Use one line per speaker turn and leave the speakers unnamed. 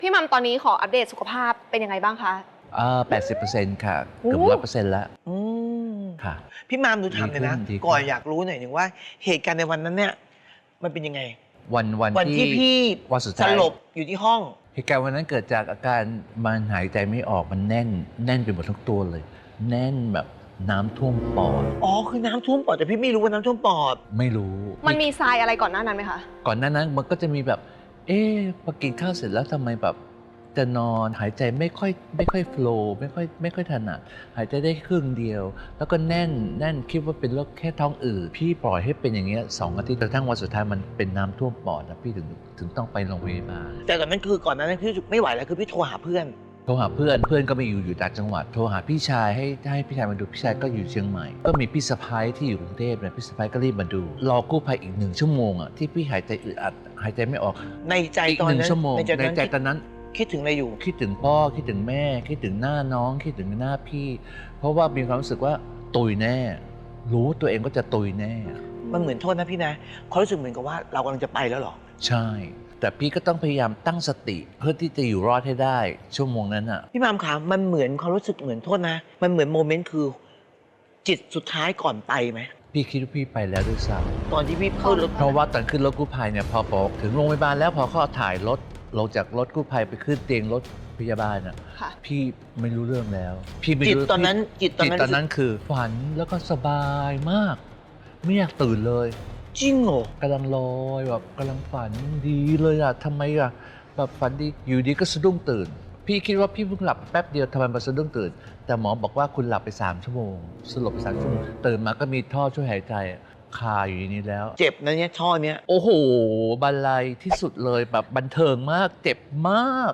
พี่มัมตอนนี้ขออัปเดตสุขภาพเป็นยังไงบ้างคะ
80%ค่ะ
โอ้
เกือบ100%แล้ว
อืม
ค่ะ
พี่มามดูทำเลยนะ
ดีขึ้น
ก่อนอยากรู้หน่อยหนึ่งว่าเหตุการณ์ในวันนั้นเนี่ยมันเป็นยังไง
วัน
ที่พี่
วันสุด
ส
ท้าย
ลบอยู่ที่ห้อง
เหตุการณ์วันนั้นเกิดจากอาการมันหายใจไม่ออกมันแน่นไปหมดทั้งตัวเลย แน่นแบบน้ำท่วมปอด
อ๋อคือน้ำท่วมปอดแต่พี่ไม่รู้ว่าน้ำท่วมปอด
ไม่รู้
มันมีทรายอะไรก่อนหน้านั้นไหมคะ
ก่อนหน้านั้นมันก็จะมีแบบ พอกินข้าวเสร็จแล้วทำไมแบบจะนอนหายใจไม่ค่อยโฟล์ไม่ค่อยถนัดหายใจได้ครึ่งเดียว แล้วก็แน่นคิดว่าเป็นโรคแค่ท้องอืดพี่ปล่อยให้เป็นอย่างเงี้ย2 อาทิตย์กระทั่งวันสุดท้ายมันเป็นน้ำท่วมปอดนะพี่ถึงต้องไปโรงพยาบาล
แต่ตอนนั้นคือก่อนหนานั้นพี่รู้สึกไม่ไหวแล้วคือพี่โทรหาเพื่อน
โทรหาเพื่อนก็ไม่อยู่ต่างจังหวัดโทรหาพี่ชายให้พี่ชายมาดูพี่ชายก็อยู่เชียงใหม่ก็มีพี่สะพ้ายที่อยู่กรุงเทพเนี่ยพี่สะพ้ายก็รีบมาดูรอกู้ภัยอีก1 ชั่วโมงอ่ะที่พี่หายใจอึดอัดหายใจไม่ออก
ในใจ
อีก
ตอน
1
นั้น
ชั่วโมงในใจตอนนั้น
คิดถึงอะไรอยู่
คิดถึงพ่อคิดถึงแม่คิดถึงหน้าน้องคิดถึงหน้าพี่ เพราะว่ามีความรู้สึกว่าตุยแน่ รู้ตัวเองก็จะตุยแน่
มันเหมือนโทษนะพี่นะเขารู้สึกเหมือนกับว่าเรากำลังจะไปแล้วเหรอ
ใช่ แต่พี่ก็ต้องพยายามตั้งสติเพื่อที่จะอยู่รอดให้ได้ชั่วโมงนั้นอ่ะ
พี่มามขามันเหมือนความรู้สึกเหมือนโทษนะ มันเหมือนโมเมนต์คือ จิตสุดท้ายก่อนไปไหม
พี่คิดว่าพี่ไปแล้วด้วยซ้
ตอนที่พี่เข้ารถ
ำเพราะว่าตอนขึ้นรถกู้ภัยเนี่ยพอบอกถึงโรงพยาบาลแล้วพอเขาถ่ายรถลงจากรถกู้ภัยไปขึ้นเตียงรถพยาบาลอ่ะ
ค่ะ
พี่ไม่รู้เรื่องแล้ว พี่ไม่
จิต
รู้
ตอนนั้นจิตตอน
จิต
นั้น
ตอนนั้นคือฝันแล้วก็สบายมาก ไม่อยากตื่นเลย
จริงเหรอ
กำลังลอยแบบกำลังฝันดีเลยอะทำไมอะแบบฝันดีอยู่ดีก็สะดุ้งตื่น พี่คิดว่าพี่เพิ่งหลับแป๊บเดียวทำไมมาสะดุ้งตื่น แต่หมอบอกว่าคุณหลับไป3 ชั่วโมงสลบไป3 ชั่วโมงตื่นมาก็มีท่อช่วยหายใจคาอยู่ในนี้แล้ว
เจ็บนะเนี่ยช่อเนี้ย
โอ้โหบันไลที่สุดเลยแบบบันเทิงมากเจ็บมาก